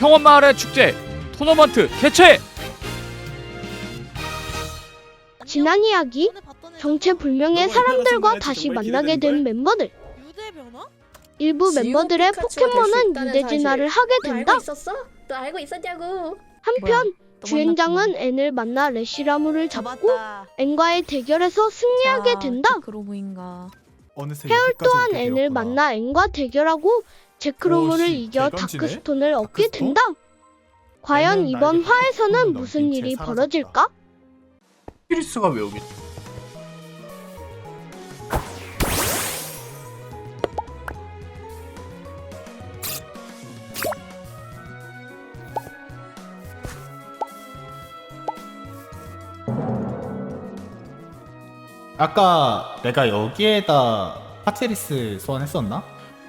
평원마을의 축제 토너먼트 개최! 지난 이야기, 정체불명의 사람들과 다시 만나게 된 멤버들. 일부 멤버들의 포켓몬은 유대진화를 하게 된다. 너 알고 있었냐고. 한편 주행장은 앤을 만나 레시라무를 잡고 앤과의 대결에서 승리하게 된다. 헤얼 또한 앤을 만나 앤과 대결하고 제크로모를 이겨 다크스톤을 얻게 된다. 과연 이번 화에서는 무슨 일이 벌어질까? 피리스가 왜 여기? 아까 내가 여기에다 파체리스 소환했었나?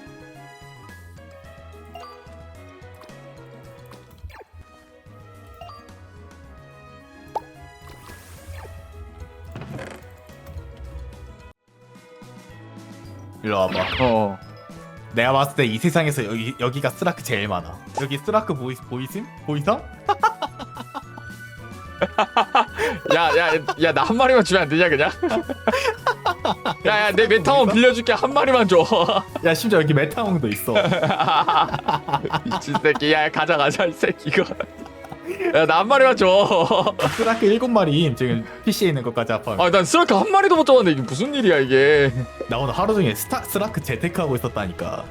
일로 와봐. 내가 봤을 때 이 세상에서 여기가 스라크 제일 많아. 여기 스라크 보이심? 보이성? 야 나 한 마리만 주면 안 되냐 그냥? 야야 내 메타몬 빌려줄게 한 마리만 줘. 야 심지어 여기 메타몽도 있어. 미친 새끼. 야 가자 이 새끼 이거. 야 나 한 마리만 줘. 스라크 7마리 지금 PC에 있는 것까지 합하면. 아 난 스라크 한 마리도 못 잡았는데 이게 무슨 일이야 이게. 나 오늘 하루 종일 스라크 재테크하고 있었다니까.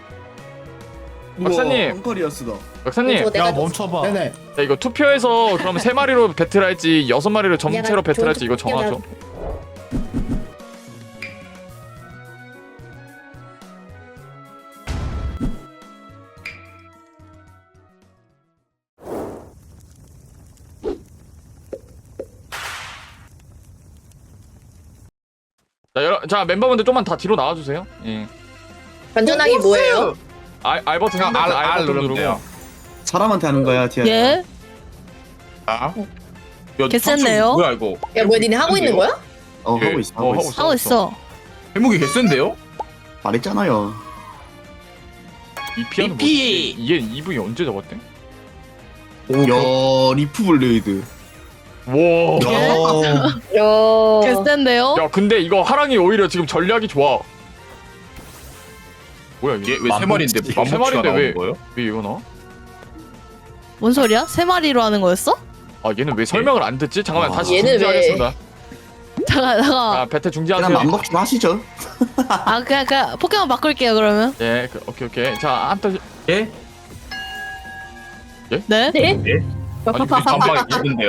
박사님. 펑커리어스다. 박사님. 야 멈춰봐. 네네. 야, 이거 투표해서 그럼 3마리로 배틀할지 6마리로 전체로 배틀할지 이거 정하죠. 자 멤버분들 좀만 다 뒤로 나와주세요. 예. 반전하기 뭐예요? R 버튼 R 버튼 누르고. 사람한테 하는 거야, 디아. 예? 아? 개센데요? 뭐야 이거? 야 뭐야 니네 하고 있는 거야? 하고 있어. 하고 있어. 하고 있어. 해목이 개센데요? 말했잖아요. 이 피아노 뭐지? 얘 EV 언제 잡았대? 야, 리프 블레이드. 와. 야. 개센데요? 야 근데 이거 하랑이 오히려 지금 전략이 좋아. 뭐야 이게? 왜 세 마리인데? 세 마리인데 왜 거예요? 왜 이거 나? 뭔 소리야? 세 마리로 하는 거였어? 아 얘는 왜 설명을 안 듣지? 잠깐만 와. 다시 얘는 중지하겠습니다. 잠깐. 아 배틀 그냥 중지하세요. 맘먹 좀 하시죠. 아 그냥 포켓몬 바꿀게요 그러면. 예, 오케이. 자 한번 예? 네? 아니 반방이 있는데요.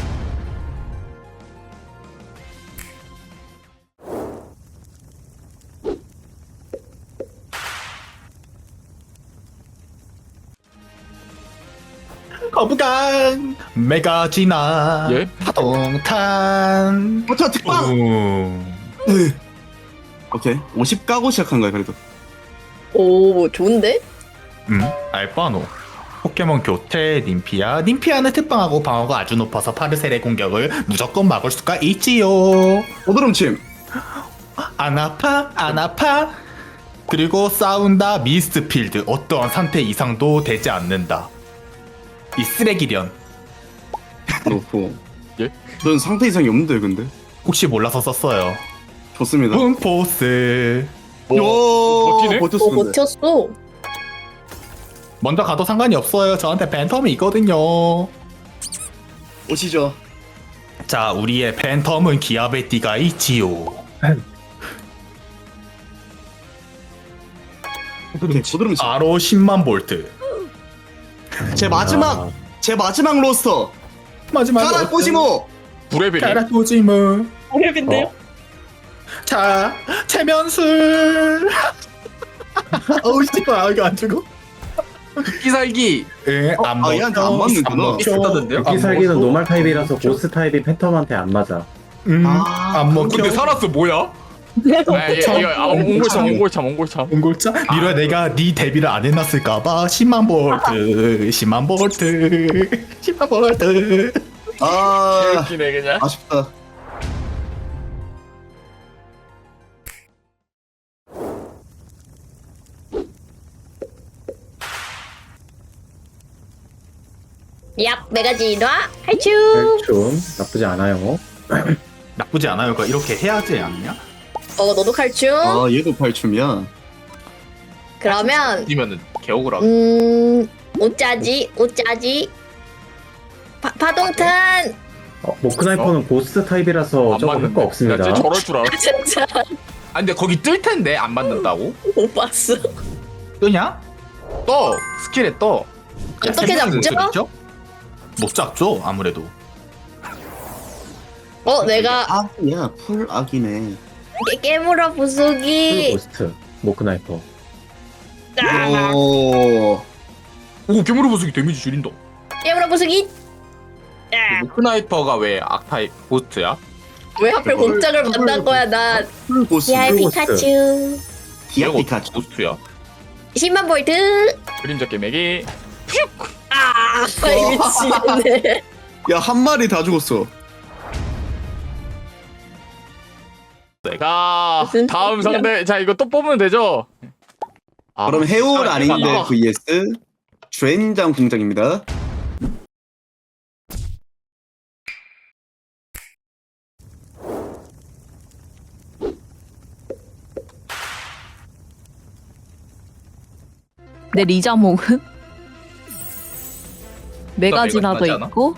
거부강 메가지나 예? 파동탄. 저 특방. 오케이. 50 까고 시작한 거야 그래도. 오 좋은데? 알바노 포켓몬 교체 님피아는 특방하고 방어가 아주 높아서 파르셀의 공격을 무조건 막을 수가 있지요. 오드름침. 안 아파. 그리고 싸운다 미스트필드 어떠한 상태 이상도 되지 않는다. 이 쓰레기련 놓고. 예? 넌 상태 이상이 없는데 근데. 혹시 몰라서 썼어요. 좋습니다. 붕포스 버티네? 버텼어. 오 근데. 버텼어. 먼저 가도 상관이 없어요. 저한테 팬텀이 있거든요. 오시죠. 자, 우리의 팬텀은 기압의 띠가 있지요. 오드름침. 바로 10만 볼트. 제 마지막 로스터. 마지막 가라 꼬시모. 브레벨이. 가라토지무. 어렵인데요? 자, 체면술. 어우 씨발, 이거 안 죽어? 기살기. 예, 안 먹혀. 얘한테 안 맞는구나. 비슷하던데요? 여기 살기는 노말 타입이라서 보스 타입이 팬텀한테 안 맞아. 안 먹혀. 살았어 뭐야? 아, 이거 옹골참. 옹골자? 미로야, 내가 네 데뷔를 안 해놨을까봐 10만 볼트, 10만 볼트, 10만 볼트. 아, 웃기네 그냥. 아쉽다. 얍 메가진화 할춤. 좀 나쁘지 않아요. 나쁘지 않아요. 그러니까 이렇게 해야지 않냐? 너도 칼춤. 아 얘도 발춤이야. 그러면 뛰면은 개억울하고. 오짜지 오짜지. 파동탄. 모크나이퍼는 고스트 타입이라서 저거 할거 없습니다. 쟤 저럴 줄 알아. 진짜 아 근데 거기 뜰 텐데 안 맞는다고? 못 봤어. 뜨냐? 떠 스킬에 떠. 어떻게 잡죠? 못 잡죠 아무래도. 내가 악이야 풀 악이네. 깨물어 풀 부수기. 고스트 모크나이퍼. 오. 오 괴물 보수기 데미지 줄인다. 깨물어 부수기. 모크나이퍼가 왜 악타입 고스트야? 왜 하필 공작을 만난 거야 난. 풀 고스. 야 풀 피카츄. 디아 피카츄. 고스트야. 10만 볼트. 그림자 깨매기. 미치겠네. 야 한 마리 다 죽었어. 자 무슨 다음 소리야? 상대. 자 이거 또 뽑으면 되죠? 그럼 해올 아, 아닌데 해봐. vs 주엔장 공장입니다. 내 리자몽은 메가지나도 메가지 맞지 않아? 있고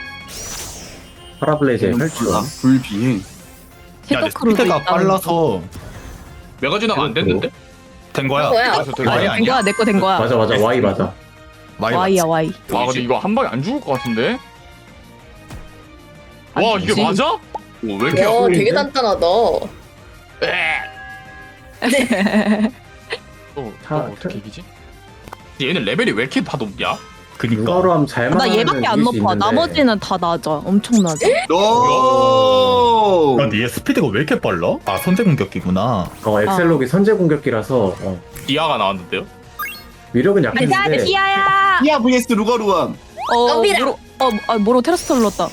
파라블레이즈의 탈출. 불비행. 야, 내 쉐더크루도 스피드가 있다. 빨라서 메가지나가 안 됐는데? 된 거야. 뭐야? 그래서 되게 아니, 많이 된 거야, 내 거 된 거야. 맞아 Y 맞아. 많이 Y야 Y. 와 근데 이거 한 방에 안 죽을 것 같은데? 와 아니, 이게 뭐지? 맞아? 왜 이렇게 와 되게 단단하다. 어떻게 이기지? 얘는 레벨이 왜 이렇게 다 높냐? 그니까. 누가로 하면 잘 나 맞는 얘밖에 안 높아. 나머지는 다 낮아. 엄청 낮아. 오. 야, 근데 얘 스피드가 왜 이렇게 빨라? 아 선제 공격기구나. 엑셀록이 선제 공격기라서 디아가 나왔는데요? 위력은 가자, 약했는데 디아야. 디아 vs 루가루암. 덤비라. 모로 테라스 눌렀다.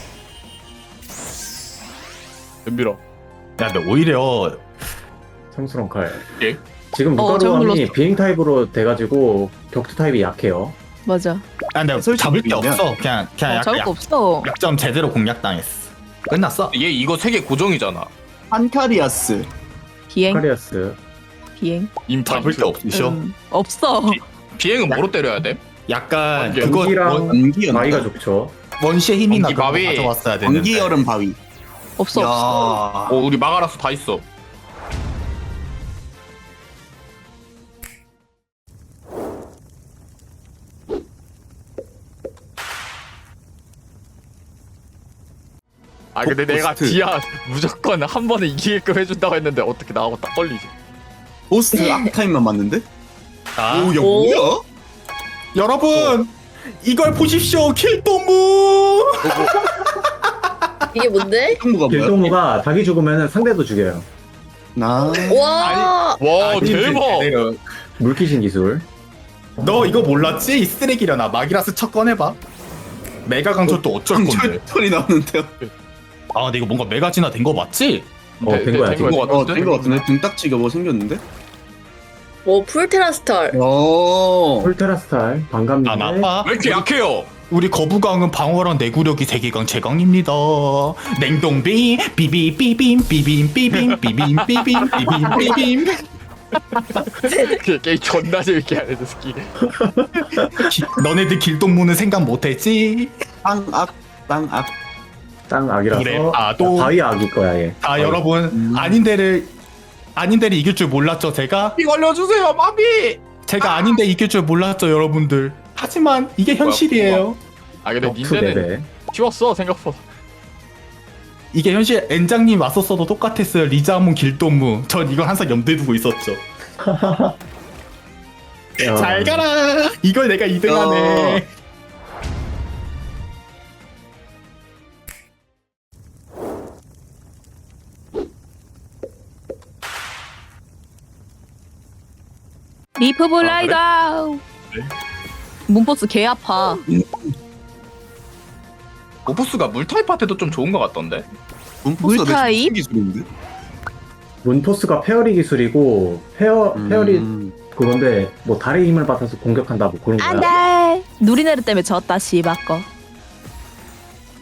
덤비라. 야 근데 오히려 성스러운 칼. 예? 지금 잘못 루가루암이 눌렀어. 비행 타입으로 돼가지고 격투 타입이 약해요. 맞아. 아 근데 솔직히 잡을 게 보면 없어. 그냥 저럴 거 없어. 약점 제대로 공략당했어. 끝났어. 얘 이거 세계 고정이잖아. 판카리아스. 비행. 카리아스. 비행. 잡을 게 없으셔. 없어. 비행은 뭐로 때려야 돼? 약간 번개. 그거 번기랑 안기연. 마이가 좋죠. 원시의 힘이나 번기 그런 거 바위. 가져왔어야 되는데. 안기 여름 바위. 없어. 없어. 우리 마가라스 다 있어. 아 근데 내가 고스트. 디아 무조건 한 번에 이기게끔 해준다고 했는데 어떻게 나하고 딱 걸리지? 보스 악타임만 맞는데? 아, 오야 오? 뭐야? 여러분 이걸 보십시오. 킬동무. 이게 뭔데? 동무가 뭐야? 길동무가 자기 죽으면 상대도 죽여요. 나. 와. 와 아니, 대박! 제대로. 물귀신 기술. 너 이거 몰랐지? 이 쓰레기려나. 마기라스 첫 꺼내봐. 메가 강철 또 어쩔 건데? 털이 나오는데요. 아 근데 이거 뭔가 메가지나 된 거 맞지? 된 거야, 된거 지금. 같은데? 된거 같은데? 등딱지가 뭐 생겼는데? 오 풀테라스탈. 오. 폴테라스탈 반갑네. 아 나빠. 왜 이렇게 약해요? 우리 거부강은 방어랑 내구력이 세계강 최강입니다. 냉동비 비비 비빔 비빔 비빔 비빔 비빔 비빔 비빔. 게임 존나 재밌게 하네 저 새끼. 너네들 길동무는 생각 못했지? 땅악 땅악. 땅 악이라서 그래, 또 바위 악일 거야 얘. 아 바위. 여러분 아닌데를 이길 줄 몰랐죠 제가? 이거 알려주세요 마비. 제가 아닌데 이길 줄 몰랐죠 여러분들. 하지만 이게 현실이에요. 아 근데 격투 닌자는 레벨. 쉬웠어 생각보다. 이게 현실. 엔장님 왔었어도 똑같았어요. 리자몽 길동무. 전 이걸 항상 염두에 두고 있었죠. 야, 잘 가라. 이걸 내가 2등하네. 리프 블라이더. 문포스 개 아파. 오프스가 물타입한테도 좀 좋은 것 같던데. 문포스가 물타입? 되게 기술인데? 문포스가 페어리 기술이고 페어리 그건데 뭐 달의 힘을 받아서 공격한다 뭐 그런 거야. 안돼. 누리네르 때문에 졌다 씨바꺼.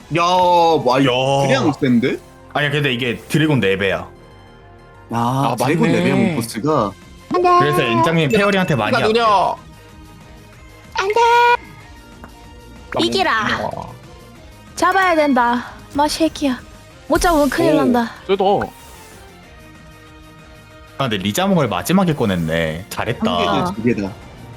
야, 와, 야. 그냥 센데? 아니야 근데 이게 드래곤 4배야. 아, 맞네. 드래곤 레벨 보스가. 그래서 엔장님 페어리한테 많이 누가 약해. 누냐? 이기라. 잡아야 된다. 마 새끼야. 못 잡으면 큰일 오. 난다. 쟤도 아 근데 리자몽을 마지막에 꺼냈네. 한 잘했다. 개다, 두 개다.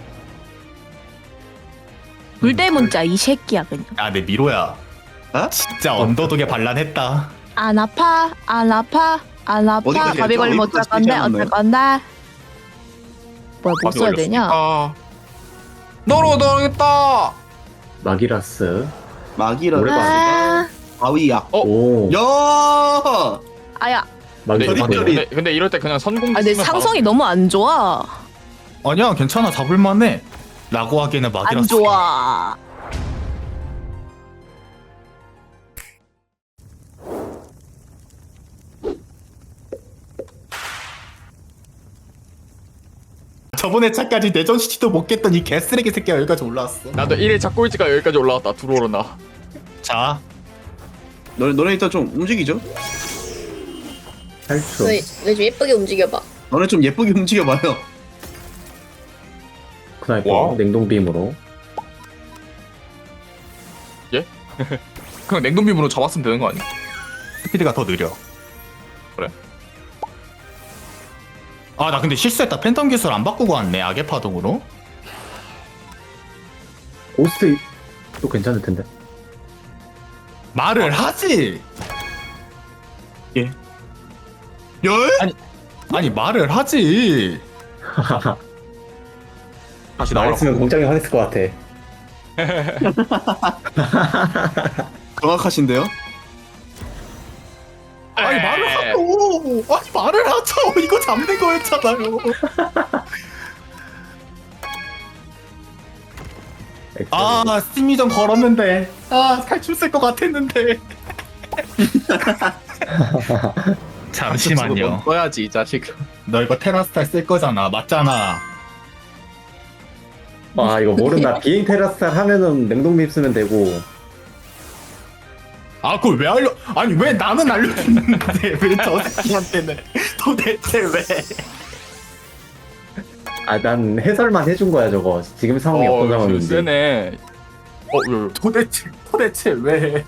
불대 문자 이 새끼야 그냥. 아 근데 미로야. 어? 진짜 언더독에 반란했다. 안 아파 안 아파 안 아파. 어디까지 밥이 했죠? 걸리면 어쩔 어디까지 건데 얘기하는 어쩔 거예요? 건데. 뭐야 못 써야 되냐? 너로 넣어야겠다. 마기라스. 마기라 오래 아, 바위야. 어? 오. 야! 아야. 근데, 마기라스. 근데 이럴 때 그냥 선공. 아, 내 상성이 너무 안 좋아. 아니야 괜찮아 잡을만해. 라고 하기에는 안 막이라서. 좋아. 저번에 차까지 내전 시티도 못 깼던 이 개쓰레기 새끼가 여기까지 올라왔어. 나도 1일 꼴찌가 여기까지 올라왔다. 들어오려나. 자 너네 일단 좀 움직이죠? 8초. 너희 좀 예쁘게 움직여봐. 너네 좀 예쁘게 움직여봐요. 스나이퍼 와. 냉동빔으로. 그냥 냉동빔으로 잡았으면 되는 거 아니야? 스피드가 더 느려. 그래? 아 나 근데 실수했다. 팬텀 기술 안 바꾸고 왔네. 악의 파동으로. 고스트 또 괜찮을 텐데. 말을 하지. 열? 아니 말을 하지. 다시 나였으면 공장에 화냈을 것 같아. 정확하신데요? 아니 말을 하고. 아니 말을 하죠. 이거 잡는 거였잖아요. 아 스팀이전 걸었는데. 아 탈출 쓸 것 같았는데. 잠시만요. 써야지 이 자식. 너 이거 테라스탈 쓸 거잖아. 맞잖아. 아 이거 모른다. 비행 테라스탈 하면은 냉동빔 쓰면 되고. 아 그걸 왜 알려? 아니 왜 나는 알려줬는데 왜 저 새끼한테는 도대체 왜? 아 난 해설만 해준 거야 저거. 지금 상황이 어떤 상황인지. 세네. 도대체 왜?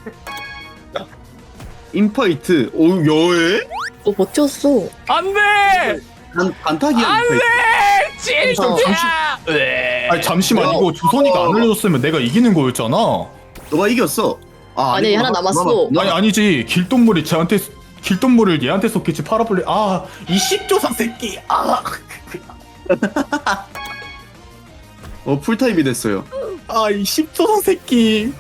인파이트. 오, 여에? 너 버텼어. 안돼. 반타기야, 인파이트. 진짜. 아니 잠시만 이거 조선이가 안 알려줬으면 내가 이기는 거였잖아. 너가 이겼어. 아, 아니, 아니구나. 하나 남았어. 너, 아니 아니지 길동물이 쟤한테 길동물을 얘한테 쏟겠지 파라블리. 아이 십조선 새끼. 풀타입이 됐어요. 아이 십조선 새끼.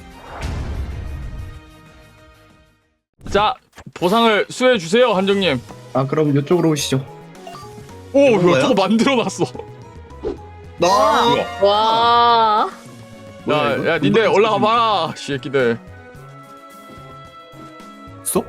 자 보상을 수여해 주세요 한정님. 아, 그럼 이쪽으로 오시죠. 오 이거 뭐야? 저거 만들어놨어. 나. 와. 뭐야, 이거? 야 닌데 올라가 봐라 새끼들. 쏙?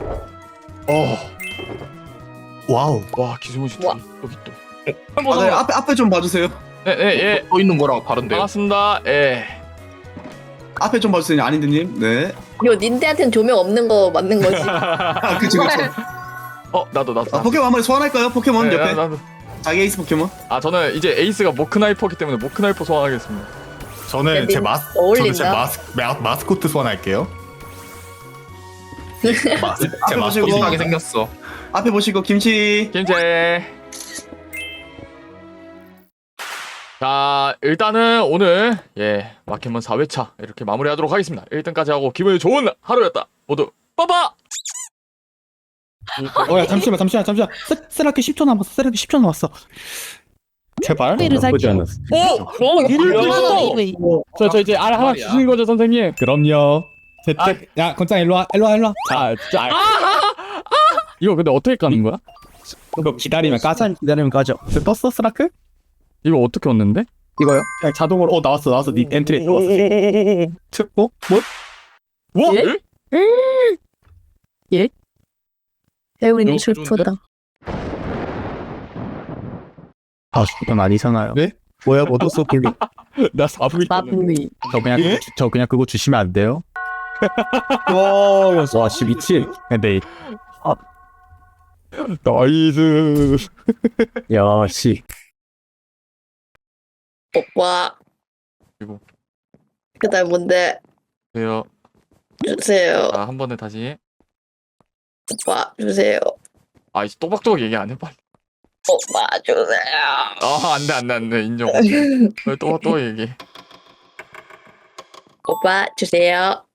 와우. 와 기술무시 와. 여기 또. 아, 네, 앞에 좀 봐주세요. 네예 또 있는 거랑 다른데요? 반갑습니다. 예. 앞에 좀 봐주세요, 아닌드님. 네. 이거 닌데한테는 조명 없는 거 맞는 거지. 아, 그쵸. 나도. 아, 포켓몬 한 마리 소환할까요? 포켓몬 네, 옆에. 나도. 자기 에이스 포켓몬. 아 저는 이제 에이스가 모크나이퍼기 때문에 모크나이퍼 소환하겠습니다. 저는 제 어울린다. 마스코트 소환할게요. 제 앞에 보시고. 마스코트. 비슷하게 생겼어. 앞에 보시고 김치. 김제. 자 일단은 오늘 마켓몬 4회차 이렇게 마무리하도록 하겠습니다. 1등까지 하고 기분이 좋은 하루였다. 모두 빠빠. 야 잠시만 세라키 10초 남았어. 세라키 10초 남았어. 제발. 를 나쁘지 살게. 않았어. 저 이제 알 하나 주신 거죠 선생님? 그럼요. 야 건짱 일로 와. 자 진짜. 이거 근데 어떻게 까는 거야? 이거 기다리면 까져. 떴어 스라크? 이거 어떻게 얻는데? 이거요? 그냥 자동으로 나왔어. 네 엔트리 들어왔어. 특보? 뭐? 예? 배우리님 너무 슬프다. 아, 그건 아니잖아요. 네? 뭐야, 뭐 떴어, 블루. 나 4부 있었는데. 마블리. 저 그냥 그거 주시면 안 돼요? 와, 씨 미친. 근데 나이스. 야, 씨. 오빠. 그리고. 그다음 뭔데? 주세요. 주세요. 자, 한 번에 다시. 오빠 주세요. 아, 이제 또박또박 얘기 안 해, 빨리. 오빠 주세요. 아, 안 돼. 인정. 또박또박 얘기. 오빠 주세요.